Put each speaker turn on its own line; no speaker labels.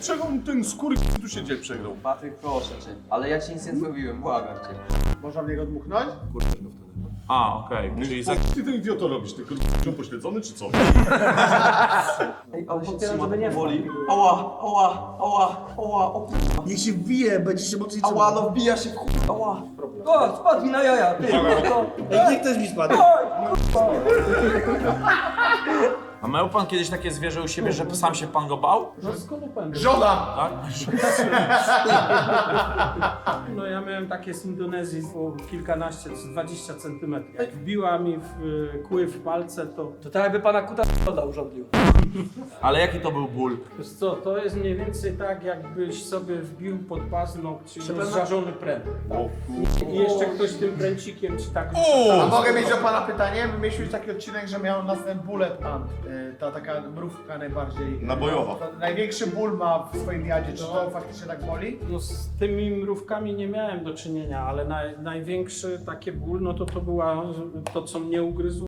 Czego ten skóry tu się dzień przegrał?
Patryk, proszę cię. Ale ja ci nic nie zrobiłem, błagam cię.
Można w niego dmuchnąć?
A, okej. Czyli za...
Ty ten idioto robisz, tylko pośledzony czy co?
Ej, ale się trzyma, tak boli. Ała, ała, ała, ała, o kurwa.
Niech się wbije, będzie się mocniej
Ała, no wbija się w kurwa, ała. O, spadł mi na jaja, ty.
Niech też mi spadł.
A miał pan kiedyś takie zwierzę u siebie, że sam się pan go bał?
No skąd pan?
Żona!
Tak?
No ja miałem takie z Indonezji po kilkanaście, 20 centymetrów. Jak wbiła mi w kły w palce, to
tak jakby pana kuta urządlił.
Ale jaki to był ból?
wiesz co, to jest mniej więcej tak, jakbyś sobie wbił pod paznokcie rozżarzony pręt. Tak? I jeszcze ktoś tym pręcikiem ci tak...
A mogę mieć do pana pytanie? My mieliśmy taki odcinek, że miał nas ten bullet ant. Ta taka mrówka najbardziej...
Nabojowa.
Największy ból ma w swoim jadzie. Czy to faktycznie tak boli?
No z tymi mrówkami nie miałem do czynienia, ale największy taki ból, no to była to, co mnie ugryzło.